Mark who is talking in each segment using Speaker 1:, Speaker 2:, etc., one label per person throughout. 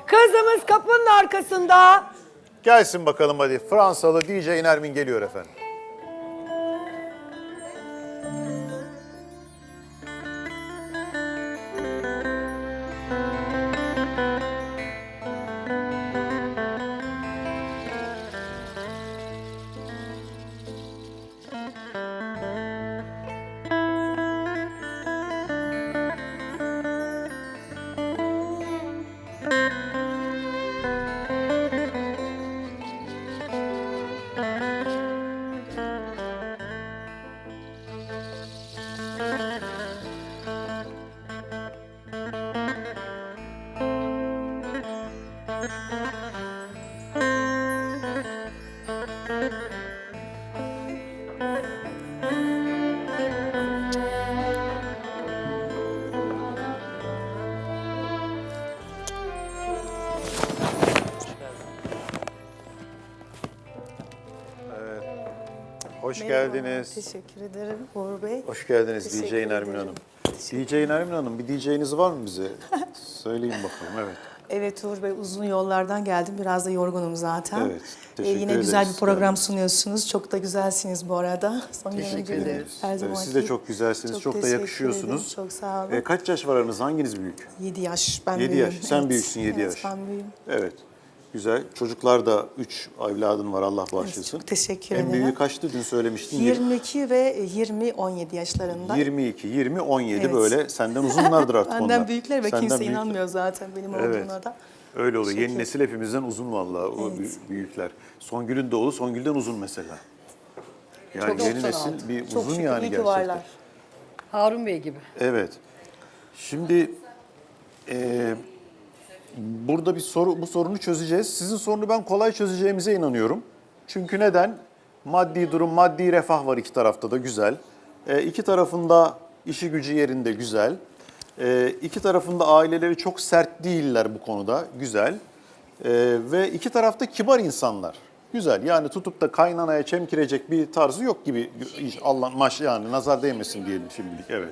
Speaker 1: Kızımız kapının arkasında.
Speaker 2: Gelsin bakalım hadi. Fransalı DJ Nermin geliyor efendim. Hoş geldiniz.
Speaker 3: Teşekkür ederim Uğur Bey.
Speaker 2: Hoş geldiniz DJ
Speaker 3: Teşekkür
Speaker 2: Nermin
Speaker 3: ederim.
Speaker 2: Hanım. DJ Nermin Hanım bir DJ'niz var mı bize? Söyleyin bakalım, evet.
Speaker 3: Evet Uğur Bey, uzun yollardan geldim. Biraz da yorgunum zaten.
Speaker 2: Evet, teşekkür
Speaker 3: Yine
Speaker 2: ederiz.
Speaker 3: güzel bir program
Speaker 2: Evet.
Speaker 3: sunuyorsunuz. Çok da güzelsiniz bu arada. Son
Speaker 2: Teşekkür
Speaker 3: günlerde
Speaker 2: ederiz.
Speaker 3: Her
Speaker 2: Evet,
Speaker 3: zamanki.
Speaker 2: siz de çok güzelsiniz, çok da
Speaker 3: teşekkür
Speaker 2: yakışıyorsunuz.
Speaker 3: ederim, çok sağ olun.
Speaker 2: Kaç yaş var aranızda? Hanginiz büyük?
Speaker 3: 7 yaş. Ben
Speaker 2: 7
Speaker 3: büyüğüm.
Speaker 2: yaş. Sen
Speaker 3: Evet.
Speaker 2: büyüksün 7
Speaker 3: Evet,
Speaker 2: yaş.
Speaker 3: ben büyüğüm.
Speaker 2: Evet. Güzel. Çocuklar da 3 evladın var, Allah bağışlasın.
Speaker 3: Çok teşekkür
Speaker 2: En
Speaker 3: ederim.
Speaker 2: büyüğü kaçtı dün söylemiştin?
Speaker 3: 22 ve 20-17 yaşlarında.
Speaker 2: 22, 20, 17
Speaker 3: Evet.
Speaker 2: böyle senden uzunlardır artık onlar.
Speaker 3: Benden büyükler ve
Speaker 2: Senden
Speaker 3: kimse
Speaker 2: büyükler.
Speaker 3: inanmıyor zaten benim
Speaker 2: Evet.
Speaker 3: olduğuna da.
Speaker 2: Öyle oluyor. Yeni
Speaker 3: Teşekkür.
Speaker 2: nesil hepimizden uzun vallahi o
Speaker 3: Evet.
Speaker 2: büyükler. Songül'ün de oğlu Songül'den uzun mesela. Yani
Speaker 1: Çok
Speaker 2: yeni
Speaker 1: doktor
Speaker 2: nesil
Speaker 1: aldı.
Speaker 2: bir
Speaker 3: Çok
Speaker 2: uzun
Speaker 3: şükür,
Speaker 2: yani
Speaker 3: iyi ki
Speaker 2: gerçekten.
Speaker 3: varlar.
Speaker 1: Harun Bey gibi.
Speaker 2: Evet. Şimdi burada bu sorunu çözeceğiz. Sizin sorunu ben kolay çözeceğimize inanıyorum. Çünkü neden? Maddi durum, maddi refah var iki tarafta da güzel. İki tarafında işi gücü yerinde güzel. İki tarafında aileleri çok sert değiller bu konuda güzel. Ve iki tarafta kibar insanlar. Güzel. Yani tutup da kaynanaya çemkirecek bir tarzı yok gibi. Allah yani nazar değmesin diyelim şimdilik. Evet.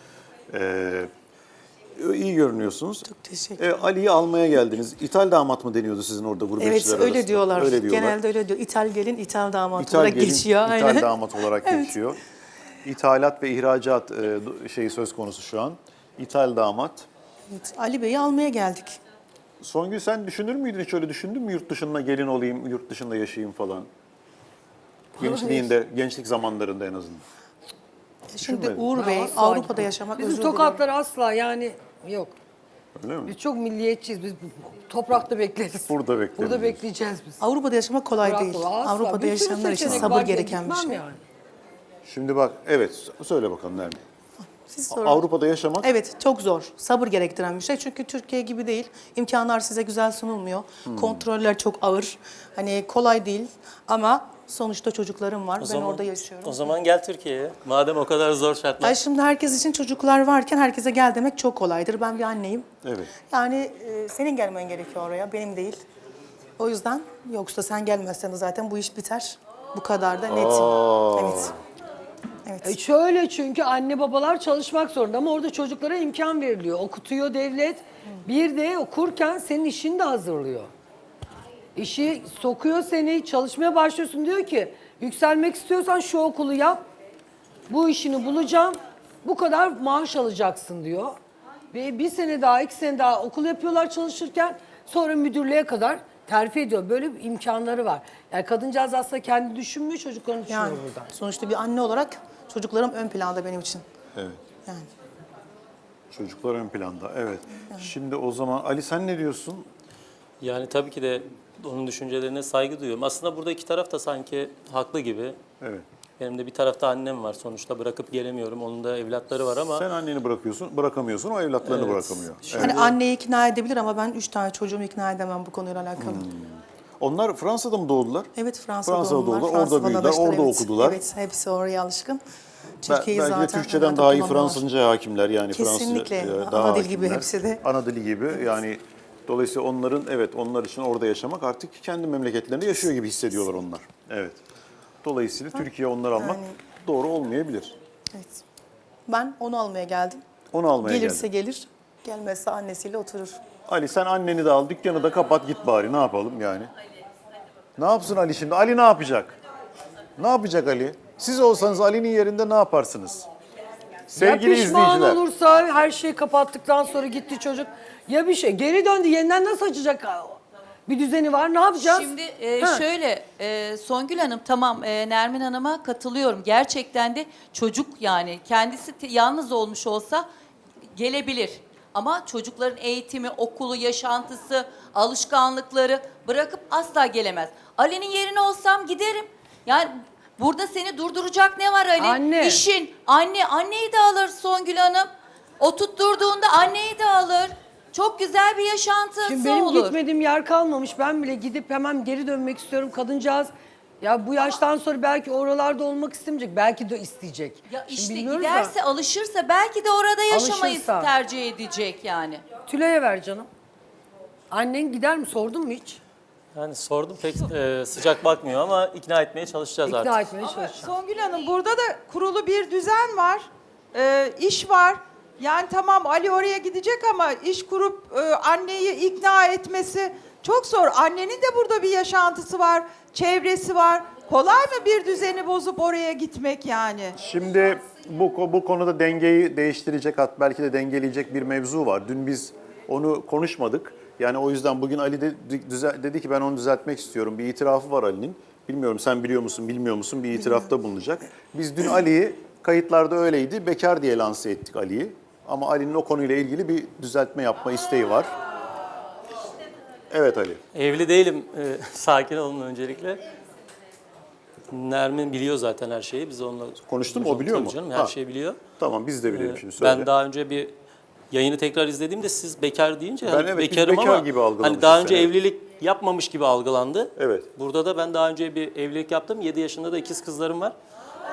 Speaker 2: İyi görünüyorsunuz.
Speaker 3: Çok teşekkür ederim.
Speaker 2: Ali'yi almaya geldiniz. İthal damat mı deniyordu sizin orada gurbetçiler
Speaker 3: Evet
Speaker 2: arasında?
Speaker 3: öyle diyorlar.
Speaker 2: Öyle diyorlar.
Speaker 3: Genelde öyle diyor. İthal gelin, ithal damat
Speaker 2: İthal
Speaker 3: olarak
Speaker 2: gelin,
Speaker 3: geçiyor.
Speaker 2: ithal
Speaker 3: Aynen.
Speaker 2: damat olarak
Speaker 3: Evet.
Speaker 2: geçiyor. İthalat ve ihracat şeyi söz konusu şu an. İthal damat.
Speaker 3: Evet, Ali Bey'i almaya geldik.
Speaker 2: Songül sen düşünür müydün, hiç öyle düşündün mü yurt dışına gelin olayım, yurt dışında yaşayayım falan? Gençliğinde, gençlik zamanlarında en azından.
Speaker 3: Şimdi
Speaker 2: Düşünmedim.
Speaker 3: Uğur Bey
Speaker 1: Asla
Speaker 3: Avrupa'da
Speaker 1: gitmem.
Speaker 3: yaşamak
Speaker 1: Bizim
Speaker 3: özür
Speaker 1: tokatlar asla yani yok.
Speaker 2: Öyle mi?
Speaker 1: Biz çok milliyetçiyiz. Biz toprakta bekleriz.
Speaker 2: Burada bekleriz.
Speaker 1: Burada bekleyeceğiz biz.
Speaker 3: Avrupa'da yaşamak kolay
Speaker 1: Bırak
Speaker 3: değil.
Speaker 1: o, asla.
Speaker 3: Avrupa'da
Speaker 1: Bir sürü
Speaker 3: yaşayanlar için
Speaker 1: seçenek
Speaker 3: sabır
Speaker 1: varken
Speaker 3: gereken bir
Speaker 1: gitmem
Speaker 3: şey.
Speaker 1: Yani.
Speaker 2: Şimdi bak, evet söyle bakalım Nermin.
Speaker 3: Siz sorun.
Speaker 2: Avrupa'da yaşamak
Speaker 3: Evet, çok zor. Sabır gerektiren bir şey. Çünkü Türkiye gibi değil. İmkanlar size güzel sunulmuyor. Kontroller çok ağır. Hani kolay değil ama sonuçta çocuklarım var. Ben orada yaşıyorum.
Speaker 4: O zaman gel Türkiye'ye. Madem o kadar zor şartlar.
Speaker 3: Ay şimdi herkes için çocuklar varken herkese gel demek çok kolaydır. Ben bir anneyim.
Speaker 2: Evet.
Speaker 3: Yani senin gelmen gerekiyor oraya, benim değil. O yüzden yoksa sen gelmezsen de zaten bu iş biter. Bu kadar da netim. Evet. Evet.
Speaker 1: Şöyle çünkü anne babalar çalışmak zorunda ama orada çocuklara imkan veriliyor. Okutuyor devlet. Bir de okurken senin işini de hazırlıyor. İşi sokuyor seni, çalışmaya başlıyorsun diyor ki yükselmek istiyorsan şu okulu yap. Bu işini bulacağım. Bu kadar maaş alacaksın diyor. Ve bir sene daha, 2 sene daha okul yapıyorlar çalışırken sonra müdürlüğe kadar terfi ediyor. Böyle bir imkanları var. Yani kadıncağız aslında kendi düşünmüyor, çocuklarını düşünüyor
Speaker 3: Yani
Speaker 1: buradan.
Speaker 3: sonuçta bir anne olarak çocuklarım ön planda benim için.
Speaker 2: Evet.
Speaker 3: Yani.
Speaker 2: Çocuklar ön planda, evet. Şimdi o zaman Ali sen ne diyorsun?
Speaker 4: Yani tabii ki de onun düşüncelerine saygı duyuyorum. Aslında burada iki taraf da sanki haklı gibi.
Speaker 2: Evet.
Speaker 4: Benim de bir tarafta annem var sonuçta, bırakıp gelemiyorum. Onun da evlatları var ama
Speaker 2: Sen anneni bırakamıyorsun, o evlatlarını
Speaker 4: Evet.
Speaker 2: bırakamıyor. Evet.
Speaker 3: Hani anneyi ikna edebilir ama ben 3 tane çocuğumu ikna edemem bu konuyla alakalı.
Speaker 2: Onlar Fransa'da mı doğdular?
Speaker 3: Evet, Fransa'da
Speaker 2: Fransa'da
Speaker 3: doğumlular,
Speaker 2: doğdular,
Speaker 3: Fransız
Speaker 2: orada büyüdüler,
Speaker 3: vatandaşlar,
Speaker 2: orada
Speaker 3: evet.
Speaker 2: okudular.
Speaker 3: Evet, hepsi oraya alışkın.
Speaker 2: Belki
Speaker 3: Türkiye'yi
Speaker 2: de
Speaker 3: zaten
Speaker 2: Türkçeden
Speaker 3: rahat
Speaker 2: daha iyi
Speaker 3: bulamıyorlar.
Speaker 2: Fransızca hakimler yani
Speaker 3: Kesinlikle.
Speaker 2: Fransızca
Speaker 3: Ana
Speaker 2: daha
Speaker 3: dil gibi
Speaker 2: hakimler.
Speaker 3: hepsi de.
Speaker 2: Ana dili gibi yani dolayısıyla onların onlar için orada yaşamak artık kendi memleketlerinde yaşıyor gibi hissediyorlar onlar. Evet. Dolayısıyla Türkiye onları almak
Speaker 3: Yani-
Speaker 2: doğru olmayabilir.
Speaker 3: Evet. Ben onu almaya geldim.
Speaker 2: Onu almaya
Speaker 3: Gelirse
Speaker 2: geldim.
Speaker 3: gelir, gelmezse annesiyle oturur.
Speaker 2: Ali sen anneni de al, dükkanı da kapat git bari. Ne yapalım yani? Ne yapsın Ali şimdi? Ali ne yapacak? Ne yapacak Ali? Siz olsanız Ali'nin yerinde ne yaparsınız? Sevgili
Speaker 1: ya pişman
Speaker 2: izleyiciler.
Speaker 1: olursa her şeyi kapattıktan sonra gitti çocuk. Ya bir şey geri döndü yeniden nasıl açacak? Bir düzeni var ne yapacağız?
Speaker 5: Şimdi
Speaker 1: Ha.
Speaker 5: şöyle Songül Hanım tamam Nermin Hanım'a katılıyorum. Gerçekten de çocuk yani kendisi yalnız olmuş olsa gelebilir. Ama çocukların eğitimi, okulu, yaşantısı, alışkanlıkları bırakıp asla gelemez. Ali'nin yerine olsam giderim. Yani burada seni durduracak ne var Ali?
Speaker 1: Anne.
Speaker 5: İşin. Anneyi de alır Songül Hanım. O tutturduğunda anneyi de alır. Çok güzel bir yaşantısı
Speaker 1: Şimdi benim
Speaker 5: olur.
Speaker 1: gitmediğim yer kalmamış. Ben bile gidip hemen geri dönmek istiyorum. Kadıncağız ya bu yaştan sonra belki oralarda olmak istemeyecek. Belki de isteyecek.
Speaker 5: Ya
Speaker 1: Şimdi
Speaker 5: işte
Speaker 1: bilmiyoruz
Speaker 5: giderse, alışırsa belki de orada yaşamayı
Speaker 1: Alışırsa.
Speaker 5: tercih edecek yani.
Speaker 1: Tülay'a ver canım. Annen gider mi? Sordun mu hiç?
Speaker 4: Yani sordum pek sıcak bakmıyor ama ikna etmeye çalışacağız artık.
Speaker 1: İkna etmeye çalışacağım.
Speaker 6: Songül Hanım burada da kurulu bir düzen var, iş var. Yani tamam Ali oraya gidecek ama iş kurup anneyi ikna etmesi çok zor. Annenin de burada bir yaşantısı var, çevresi var. Kolay mı bir düzeni bozup oraya gitmek yani?
Speaker 2: Şimdi bu konuda dengeyi değiştirecek, hatta belki de dengeleyecek bir mevzu var. Dün biz onu konuşmadık. Yani o yüzden bugün Ali dedi ki ben onu düzeltmek istiyorum. Bir itirafı var Ali'nin. Bilmiyorum sen biliyor musun, bilmiyor musun? Bir itirafta bulunacak. Biz dün Ali'yi, kayıtlarda öyleydi, bekar diye lanse ettik Ali'yi. Ama Ali'nin o konuyla ilgili bir düzeltme yapma isteği var. Evet Ali.
Speaker 4: Evli değilim. Sakin olun öncelikle. Nermin biliyor zaten her şeyi. Biz onunla
Speaker 2: Konuştun mu? O biliyor
Speaker 4: Tabii
Speaker 2: mu?
Speaker 4: Canım, her
Speaker 2: Ha.
Speaker 4: şeyi biliyor.
Speaker 2: Tamam biz de biliyoruz şimdi söyle.
Speaker 4: Ben daha önce bir yayını tekrar izlediğimde siz bekar deyince
Speaker 2: Ben
Speaker 4: hani
Speaker 2: evet, biz
Speaker 4: bekarım
Speaker 2: bekar
Speaker 4: ama
Speaker 2: gibi algılamışız
Speaker 4: hani daha önce
Speaker 2: seni.
Speaker 4: evlilik yapmamış gibi algılandı.
Speaker 2: Evet.
Speaker 4: Burada da ben daha önce bir evlilik yaptım. 7 yaşında da ikiz kızlarım var.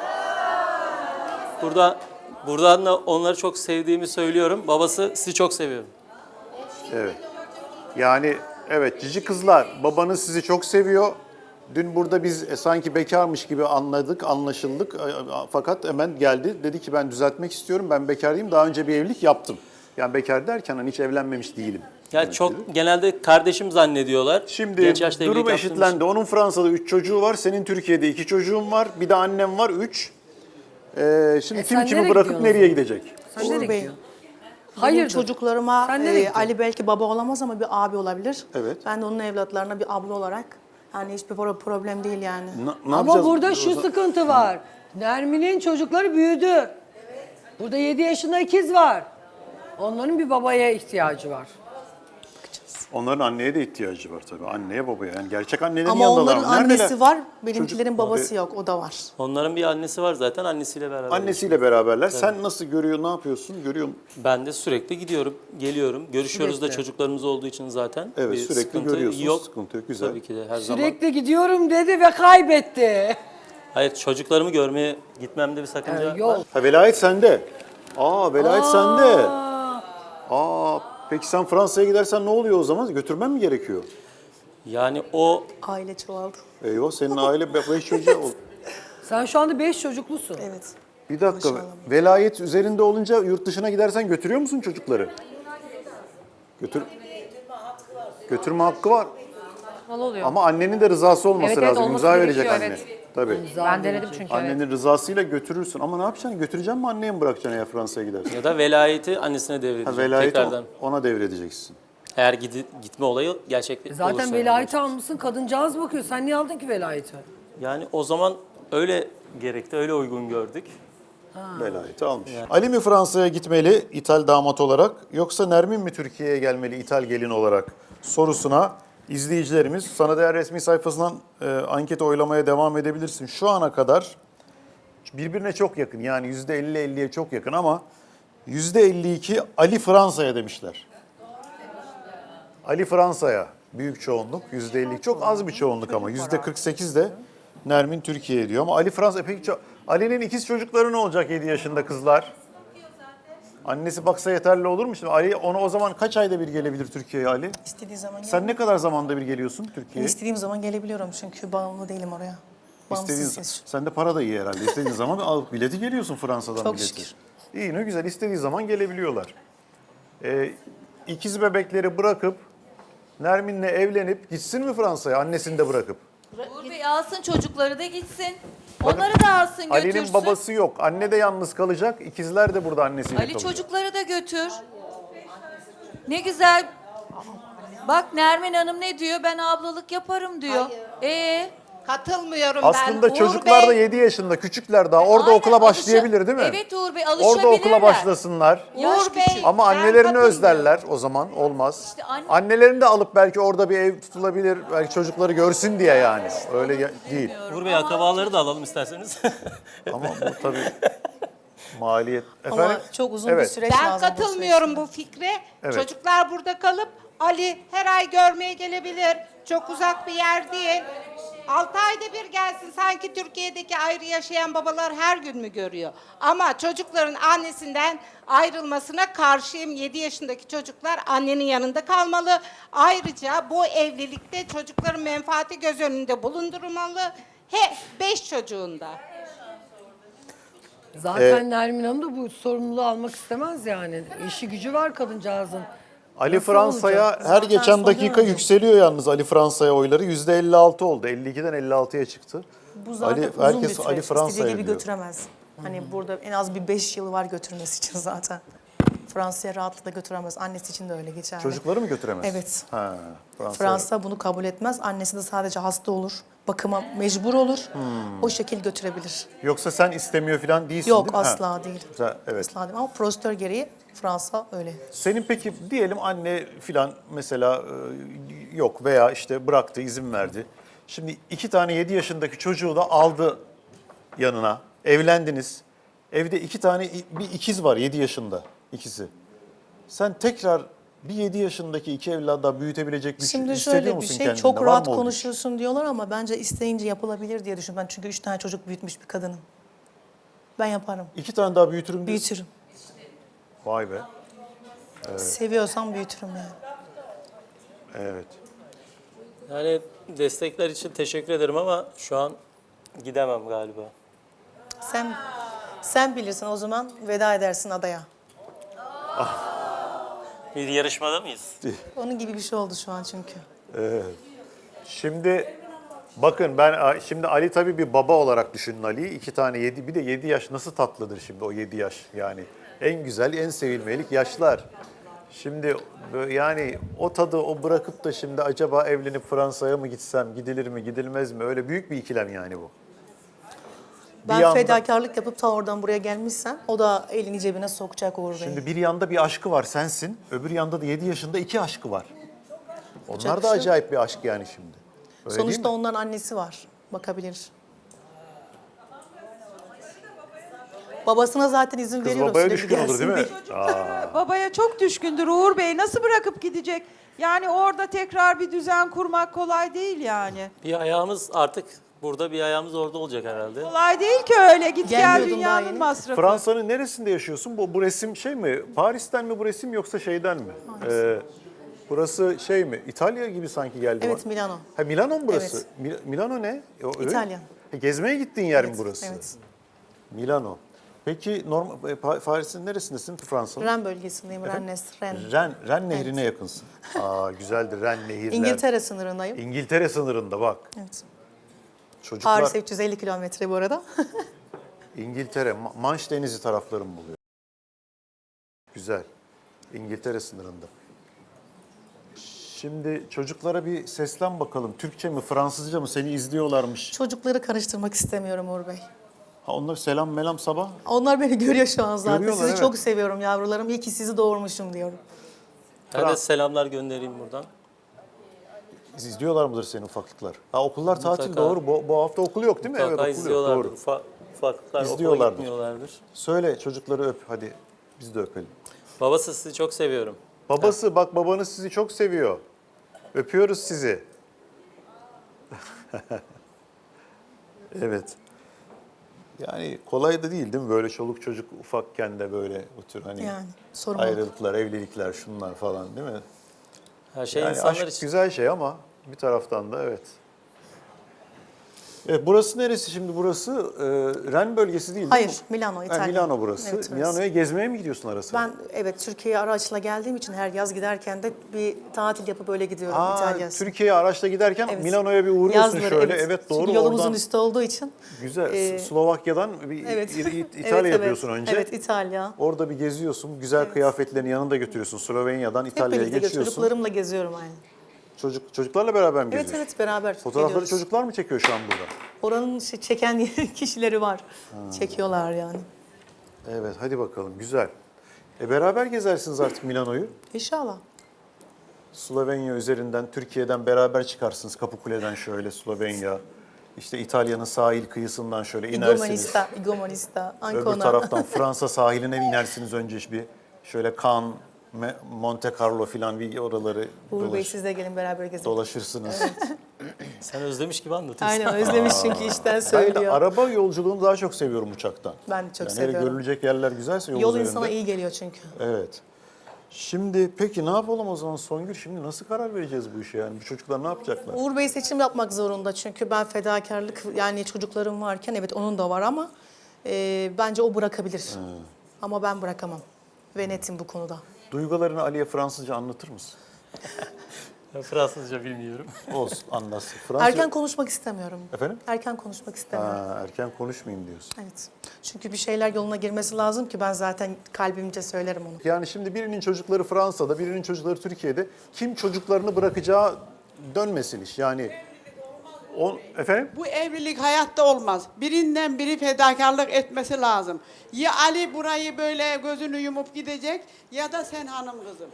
Speaker 4: Buradan da onları çok sevdiğimi söylüyorum. Babası sizi çok seviyorum.
Speaker 2: Evet. Yani evet cici kızlar babanız sizi çok seviyor. Dün burada biz sanki bekarmış gibi anlaşıldık. Fakat hemen geldi. Dedi ki ben düzeltmek istiyorum. Ben bekar değilim. Daha önce bir evlilik yaptım. Yani bekar derken hani hiç evlenmemiş değilim.
Speaker 4: Yani çok genelde kardeşim zannediyorlar.
Speaker 2: Şimdi
Speaker 4: Genç yaşta evlilik
Speaker 2: durum
Speaker 4: yaptığımız
Speaker 2: eşitlendi. Onun Fransa'da 3 çocuğu var. Senin Türkiye'de 2 çocuğun var. Bir de annem var 3. Şimdi kim
Speaker 1: sen
Speaker 2: kimi
Speaker 1: nereye
Speaker 2: bırakıp
Speaker 1: gidiyorsun?
Speaker 2: nereye gidecek?
Speaker 1: Sen
Speaker 3: Uğur
Speaker 1: nereye
Speaker 3: Bey,
Speaker 1: gidiyorsun?
Speaker 3: benim
Speaker 1: Hayırdır?
Speaker 3: çocuklarıma
Speaker 1: Sen nereye gittin?
Speaker 3: Ali belki baba olamaz ama bir abi olabilir.
Speaker 2: Evet.
Speaker 3: Ben de onun evlatlarına bir abla olarak yani hiçbir problem değil yani.
Speaker 2: Ne
Speaker 1: Ama
Speaker 2: yapacağız?
Speaker 1: burada şu sıkıntı var. Nermin'in çocukları büyüdü. Burada 7 yaşında ikiz var. Onların bir babaya ihtiyacı var.
Speaker 2: Onların anneye de ihtiyacı var tabii. Anneye babaya. Yani gerçek annelerin
Speaker 3: Ama
Speaker 2: yanındalar.
Speaker 3: onların
Speaker 2: Neredeler?
Speaker 3: annesi var, benimkilerin
Speaker 2: Çocuk-
Speaker 3: babası
Speaker 2: Abi,
Speaker 3: yok, o da var.
Speaker 4: Onların bir annesi var zaten. Annesiyle beraber.
Speaker 2: Annesiyle beraberler. Sen nasıl görüyor, ne yapıyorsun? Görüyor musun?
Speaker 4: Ben de sürekli gidiyorum, geliyorum. Görüşüyoruz da
Speaker 1: Sürekli.
Speaker 4: çocuklarımız olduğu için zaten.
Speaker 2: Evet,
Speaker 4: bir
Speaker 2: sürekli
Speaker 4: sıkıntı
Speaker 2: görüyorsunuz,
Speaker 4: yok.
Speaker 2: sıkıntı yok, güzel.
Speaker 4: Tabii ki de her zaman.
Speaker 1: Sürekli gidiyorum dedi ve kaybetti.
Speaker 4: Hayır, çocuklarımı görmeye gitmemde bir sakınca
Speaker 1: Yol.
Speaker 4: var.
Speaker 2: Ha, velayet sende. Velayet sende. Peki sen Fransa'ya gidersen ne oluyor o zaman? Götürmen mi gerekiyor?
Speaker 4: Yani o
Speaker 3: Aile çoğaldı.
Speaker 2: Eyvah senin aile 5 çocuğu oldu.
Speaker 1: Sen şu anda 5 çocuklusun.
Speaker 3: Evet.
Speaker 2: Bir dakika, velayet üzerinde olunca yurt dışına gidersen götürüyor musun çocukları? Götürme hakkı var.
Speaker 7: Oluyor.
Speaker 2: Ama annenin de rızası olması
Speaker 7: Evet, evet,
Speaker 2: lazım.
Speaker 7: olması
Speaker 2: İmza verecek
Speaker 7: gerekiyor,
Speaker 2: anne.
Speaker 7: evet.
Speaker 2: Tabii.
Speaker 7: Ben denedim çünkü evet.
Speaker 2: Annenin rızasıyla götürürsün. Ama ne yapacaksın? Götüreceksin mi anneye mi bırakacaksın eğer Fransa'ya gidersen?
Speaker 4: ya da velayeti annesine
Speaker 2: Ha,
Speaker 4: devredeceğim
Speaker 2: velayeti
Speaker 4: tekrardan.
Speaker 2: ona devredeceksin.
Speaker 4: Eğer gitme olayı gerçekleşirse.
Speaker 1: Zaten velayeti almışsın, kadıncağız bakıyor. Sen niye aldın ki velayeti?
Speaker 4: Yani o zaman öyle gerekti, öyle uygun gördük.
Speaker 2: Velayeti almış. Ali mi Fransa'ya gitmeli İthal damat olarak yoksa Nermin mi Türkiye'ye gelmeli İthal gelin olarak sorusuna izleyicilerimiz Sana Değer resmi sayfasından anket oylamaya devam edebilirsin. Şu ana kadar birbirine çok yakın yani %50-50'ye çok yakın ama %52 Ali Fransa'ya demişler. Ali Fransa'ya büyük çoğunluk %50 çok az bir çoğunluk ama %48 de Nermin Türkiye'ye diyor ama Ali Fransa peki Ali'nin ikiz çocukları ne olacak 7 yaşında kızlar? Annesi baksa yeterli olur mu şimdi? Ali onu o zaman kaç ayda bir gelebilir Türkiye'ye Ali?
Speaker 3: İstediği zaman
Speaker 2: Sen ne kadar zamanda bir geliyorsun
Speaker 3: Ben
Speaker 2: Türkiye'ye?
Speaker 3: istediğim zaman gelebiliyorum çünkü bağımlı değilim oraya. Bağımsız.
Speaker 2: Sende para da iyi herhalde. İstediğin zaman alıp bileti geliyorsun Fransa'dan
Speaker 3: Çok
Speaker 2: bileti.
Speaker 3: şükür.
Speaker 2: İyi ne güzel istediği zaman gelebiliyorlar. ikiz bebekleri bırakıp Nermin'le evlenip gitsin mi Fransa'ya annesini de bırakıp?
Speaker 5: Uğur Bey alsın çocukları da gitsin. Onları da alsın götürsün.
Speaker 2: Ali'nin babası yok. Anne de yalnız kalacak. İkizler de burada annesiyle
Speaker 5: Ali
Speaker 2: kalacak.
Speaker 5: çocukları da götür. Ne güzel. Bak Nermin Hanım ne diyor? Ben ablalık yaparım diyor.
Speaker 8: Katılmıyorum
Speaker 2: Aslında
Speaker 8: ben.
Speaker 2: çocuklar da
Speaker 8: Uğur Bey,
Speaker 2: 7 yaşında, küçükler daha. Orada
Speaker 5: Aynen,
Speaker 2: okula başlayabilir değil mi?
Speaker 5: Evet Uğur Bey alışabilirler.
Speaker 2: Orada okula başlasınlar.
Speaker 5: Yaş
Speaker 8: Uğur Bey,
Speaker 5: küçük.
Speaker 2: Ama
Speaker 8: ben
Speaker 2: annelerini
Speaker 8: katılmıyorum.
Speaker 2: özlerler o zaman olmaz.
Speaker 5: İşte anne-
Speaker 2: Annelerini de alıp belki orada bir ev tutulabilir. Belki çocukları görsün diye yani. Öyle değil.
Speaker 4: Uğur Bey akrabaları da alalım isterseniz.
Speaker 2: Ama bu tabii maliyet.
Speaker 3: Ama
Speaker 2: Efendim?
Speaker 3: çok uzun bir
Speaker 2: Evet.
Speaker 3: süreç
Speaker 8: Ben
Speaker 3: lazım.
Speaker 8: katılmıyorum bu fikre.
Speaker 2: Evet.
Speaker 8: Çocuklar burada kalıp Ali her ay görmeye gelebilir. Çok uzak bir yer değil. 6 ayda bir gelsin. Sanki Türkiye'deki ayrı yaşayan babalar her gün mü görüyor? Ama çocukların annesinden ayrılmasına karşıyım. 7 yaşındaki çocuklar annenin yanında kalmalı. Ayrıca bu evlilikte çocukların menfaati göz önünde bulundurulmalı. 5 çocuğunda.
Speaker 1: Zaten Nermin Hanım da bu sorumluluğu almak istemez yani. İşi gücü var kadıncağızın.
Speaker 2: Ali
Speaker 1: Nasıl
Speaker 2: Fransa'ya
Speaker 1: olacak?
Speaker 2: her
Speaker 3: Zaten
Speaker 2: geçen
Speaker 3: son
Speaker 2: dakika
Speaker 3: dönemde.
Speaker 2: yükseliyor yalnız Ali Fransa'ya oyları. %56 oldu. 52'den 56'ya çıktı.
Speaker 3: Bu zaten
Speaker 2: Ali,
Speaker 3: uzun
Speaker 2: herkes
Speaker 3: bir süreç.
Speaker 2: Ali
Speaker 3: İstediği
Speaker 2: Fransa'ya
Speaker 3: gibi
Speaker 2: diyor.
Speaker 3: götüremez. Hani burada en az bir 5 yıl var götürmesi için zaten. Fransa'ya rahatlıkla götüremez. Annesi için de öyle geçerli.
Speaker 2: Çocukları mı götüremez?
Speaker 3: Evet.
Speaker 2: Ha,
Speaker 3: Fransa bunu kabul etmez. Annesi de sadece hasta olur. Bakıma mecbur olur.
Speaker 2: Hmm.
Speaker 3: O şekil götürebilir.
Speaker 2: Yoksa sen istemiyor falan değilsin
Speaker 3: Yok
Speaker 2: değil mi? Ha.
Speaker 3: asla değil.
Speaker 2: Güzel, evet.
Speaker 3: Asla değil. Ama prosedür gereği Fransa öyle.
Speaker 2: Senin peki diyelim anne filan mesela yok veya işte bıraktı, izin verdi. Şimdi 2 tane 7 yaşındaki çocuğu da aldı yanına. Evlendiniz. Evde 2 tane bir ikiz var 7 yaşında ikisi. Sen tekrar bir 7 yaşındaki 2 evladı daha büyütebilecek bir şey
Speaker 3: Şimdi
Speaker 2: hissediyor
Speaker 3: şöyle bir
Speaker 2: musun
Speaker 3: şey,
Speaker 2: kendinde?
Speaker 3: çok
Speaker 2: Var
Speaker 3: rahat
Speaker 2: mı o güç?
Speaker 3: konuşuyorsun diyorlar ama bence isteyince yapılabilir diye düşünüyorum. Ben çünkü 3 tane çocuk büyütmüş bir kadınım. Ben yaparım.
Speaker 2: 2 tane daha büyütürüm diyorsun.
Speaker 3: Büyütürüm.
Speaker 2: Vay be.
Speaker 3: Seviyorsam büyütürüm yani.
Speaker 2: Evet.
Speaker 4: Yani destekler için teşekkür ederim ama şu an gidemem galiba.
Speaker 3: Sen bilirsin o zaman veda edersin adaya.
Speaker 4: Bir yarışmada mıyız?
Speaker 3: Onun gibi bir şey oldu şu an çünkü.
Speaker 2: Şimdi bakın ben şimdi Ali tabii bir baba olarak düşünün Ali'yi. 2 tane 7 bir de 7 yaş nasıl tatlıdır şimdi o 7 yaş yani. En güzel en sevilmelik yaşlar. Şimdi yani o tadı o bırakıp da şimdi acaba evlenip Fransa'ya mı gitsem gidilir mi gidilmez mi öyle büyük bir ikilem yani bu.
Speaker 3: Ben
Speaker 2: Bir yanda-
Speaker 3: fedakarlık yapıp ta oradan buraya gelmişsem o da elini cebine sokacak Uğur Bey.
Speaker 2: Şimdi bir yanda bir aşkı var sensin öbür yanda da 7 yaşında 2 aşkı var. Onlar
Speaker 3: bir
Speaker 2: da
Speaker 3: şey yok.
Speaker 2: acayip bir aşk yani şimdi. Öyle değil
Speaker 3: Sonuçta
Speaker 2: mi?
Speaker 3: onların annesi var. Bakabilir. Babasına zaten izin
Speaker 2: Kız
Speaker 3: veriyorum.
Speaker 2: babaya
Speaker 3: sürekli
Speaker 2: düşkün olur
Speaker 3: gelsin
Speaker 2: değil mi?
Speaker 3: diye.
Speaker 6: Babaya çok düşkündür Uğur Bey. Nasıl bırakıp gidecek? Yani orada tekrar bir düzen kurmak kolay değil yani.
Speaker 4: Bir ayağımız artık burada bir ayağımız orada olacak herhalde.
Speaker 6: Kolay değil ki öyle. Git gel
Speaker 3: Gelmiyordum daha
Speaker 6: dünyanın
Speaker 3: yeni.
Speaker 6: masrafı.
Speaker 2: Fransa'nın neresinde yaşıyorsun? Bu resim şey mi? Paris'ten mi bu resim yoksa şeyden mi? Burası şey mi? İtalya gibi sanki geldi
Speaker 3: Evet,
Speaker 2: bana.
Speaker 3: Milano.
Speaker 2: Ha Milano mu burası?
Speaker 3: Evet.
Speaker 2: Milano ne? Öyle
Speaker 3: İtalya.
Speaker 2: mi? Gezmeye gittiğin yer mi
Speaker 3: Evet,
Speaker 2: burası?
Speaker 3: evet.
Speaker 2: Milano. Peki Paris'in neresindesin Fransa'nın?
Speaker 3: Ren bölgesindeyim. Rennes, Ren.
Speaker 2: Ren Nehri'ne yakınsın. Aa güzeldir Ren Nehirler.
Speaker 3: İngiltere sınırındayım.
Speaker 2: İngiltere sınırında bak.
Speaker 3: Evet.
Speaker 2: Çocuklar
Speaker 3: Paris'e 350 kilometre bu arada.
Speaker 2: İngiltere, Manş Denizi tarafları mı buluyor? Güzel. İngiltere sınırında. Şimdi çocuklara bir seslen bakalım. Türkçe mi, Fransızca mı? Seni izliyorlarmış.
Speaker 3: Çocukları karıştırmak istemiyorum Uğur Bey.
Speaker 2: Ha onlar selam melam sabah.
Speaker 3: Onlar beni görüyor şu an zaten.
Speaker 2: Görüyorlar,
Speaker 3: Sizi
Speaker 2: evet.
Speaker 3: çok seviyorum yavrularım. İyi ki sizi doğurmuşum diyorum.
Speaker 4: Ben de selamlar göndereyim buradan.
Speaker 2: İzliyorlar mıdır senin ufaklıklar? Ha okullar tatil
Speaker 4: Mutlaka.
Speaker 2: doğru. Bu hafta okul yok değil mi?
Speaker 4: Mutlaka
Speaker 2: okul yok.
Speaker 4: izliyorlardır.
Speaker 2: Doğru.
Speaker 4: Ufaklıklar okula
Speaker 2: İzliyorlardır.
Speaker 4: gitmiyorlardır.
Speaker 2: Söyle çocukları öp hadi. Biz de öpelim.
Speaker 4: Babası sizi çok seviyorum.
Speaker 2: Babası bak babanız sizi çok seviyor. Öpüyoruz sizi. Evet. Yani kolay da değil mi? Böyle çoluk çocuk ufakken de böyle bu tür hani
Speaker 3: Yani sorumluluk.
Speaker 2: ayrılıklar, evlilikler şunlar falan değil mi?
Speaker 4: Her şey
Speaker 2: Yani
Speaker 4: insanlar
Speaker 2: aşk
Speaker 4: için.
Speaker 2: güzel şey ama bir taraftan da evet. Evet, burası neresi şimdi? Burası Ren bölgesi değil
Speaker 3: Hayır,
Speaker 2: mi?
Speaker 3: Milano, İtalya.
Speaker 2: Milano burası.
Speaker 3: Evet, orası.
Speaker 2: Milano'ya gezmeye mi gidiyorsun ara sıra?
Speaker 3: Ben evet Türkiye'ye araçla geldiğim için her yaz giderken de bir tatil yapıp öyle gidiyorum İtalya'ya.
Speaker 2: Türkiye'ye araçla giderken
Speaker 3: Evet.
Speaker 2: Milano'ya bir uğruyorsun
Speaker 3: Yazları,
Speaker 2: şöyle. Evet, doğru.
Speaker 3: Çünkü yolumuzun
Speaker 2: oradan
Speaker 3: üstü olduğu için.
Speaker 2: güzel. Slovakya'dan bir
Speaker 3: Evet.
Speaker 2: İtalya
Speaker 3: Evet,
Speaker 2: yapıyorsun
Speaker 3: evet.
Speaker 2: önce.
Speaker 3: Evet, İtalya.
Speaker 2: Orada bir geziyorsun. Güzel kıyafetlerini yanında götürüyorsun. Slovenya'dan
Speaker 3: Hep
Speaker 2: İtalya'ya
Speaker 3: birlikte
Speaker 2: geçiyorsun.
Speaker 3: çocuklarımla geziyorum aynı.
Speaker 2: Çocuklarla beraber mi
Speaker 3: Evet
Speaker 2: geziyorsun?
Speaker 3: evet beraber
Speaker 2: Fotoğrafları
Speaker 3: geliyoruz.
Speaker 2: çocuklar mı çekiyor şu an burada?
Speaker 3: Oranın çeken kişileri var. Çekiyorlar yani.
Speaker 2: Evet, hadi bakalım. Güzel. Beraber gezersiniz artık Milano'yu.
Speaker 3: İnşallah.
Speaker 2: Slovenya üzerinden, Türkiye'den beraber çıkarsınız Kapıkule'den şöyle Slovenya. İşte İtalya'nın sahil kıyısından şöyle inersiniz.
Speaker 3: Igomanista,
Speaker 2: Öbür
Speaker 3: Ancona.
Speaker 2: taraftan Fransa sahiline inersiniz önce bir. Şöyle Cannes, Monte Carlo filan bir oraları
Speaker 3: Uğur Bey siz de gelin beraber gezelim.
Speaker 2: dolaşırsınız.
Speaker 4: Sen özlemiş gibi anlatıyorsun.
Speaker 3: Aynen özlemiş çünkü işten
Speaker 2: Ben de
Speaker 3: söylüyor.
Speaker 2: araba yolculuğunu daha çok seviyorum uçaktan.
Speaker 3: Ben de çok
Speaker 2: Yani
Speaker 3: seviyorum.
Speaker 2: hele görülecek yerler güzelse yol
Speaker 3: Yol
Speaker 2: üzerinde.
Speaker 3: insana iyi geliyor çünkü.
Speaker 2: Evet. Şimdi peki ne yapalım o zaman Songül? Şimdi nasıl karar vereceğiz bu işe yani? Bu çocuklar ne yapacaklar?
Speaker 3: Uğur Bey seçim yapmak zorunda çünkü ben fedakarlık yani çocuklarım varken evet onun da var ama bence o bırakabilir. Ama ben bırakamam ve netim bu konuda.
Speaker 2: Duygularını Ali'ye Fransızca anlatır mısın?
Speaker 4: Ben Fransızca bilmiyorum.
Speaker 2: Olsun, anlatsın. Fransızca...
Speaker 3: Erken konuşmak istemiyorum.
Speaker 2: Efendim?
Speaker 3: Erken konuşmak istemiyorum.
Speaker 2: Erken konuşmayayım diyorsun.
Speaker 3: Evet. Çünkü bir şeyler yoluna girmesi lazım ki ben zaten kalbimce söylerim onu.
Speaker 2: Yani şimdi birinin çocukları Fransa'da, birinin çocukları Türkiye'de. Kim çocuklarını bırakacağı dönmesin iş. Yani efendim?
Speaker 9: Bu evlilik hayatta olmaz. Birinden biri fedakarlık etmesi lazım. Ya Ali burayı böyle gözünü yumup gidecek ya da sen hanım kızım.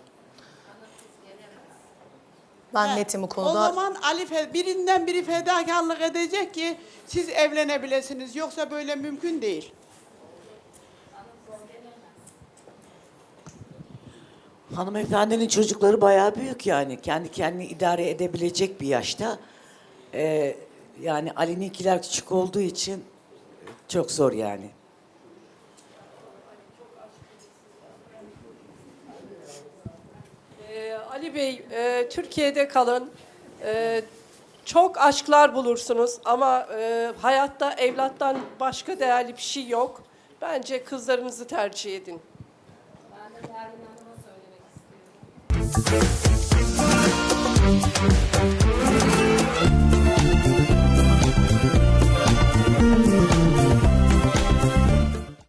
Speaker 3: Ben netim bu
Speaker 9: O
Speaker 3: konuda.
Speaker 9: zaman birinden biri fedakarlık edecek ki siz evlenebilirsiniz. Yoksa böyle mümkün değil.
Speaker 10: Hanımefendinin çocukları bayağı büyük yani. Kendi kendini idare edebilecek bir yaşta. Yani Ali'ninkiler küçük olduğu için çok zor yani.
Speaker 11: Ali Bey, Türkiye'de kalın. Çok aşklar bulursunuz ama hayatta evlattan başka değerli bir şey yok. Bence kızlarınızı tercih edin.
Speaker 12: Ben de Nermin Hanım'a söylemek istiyorum.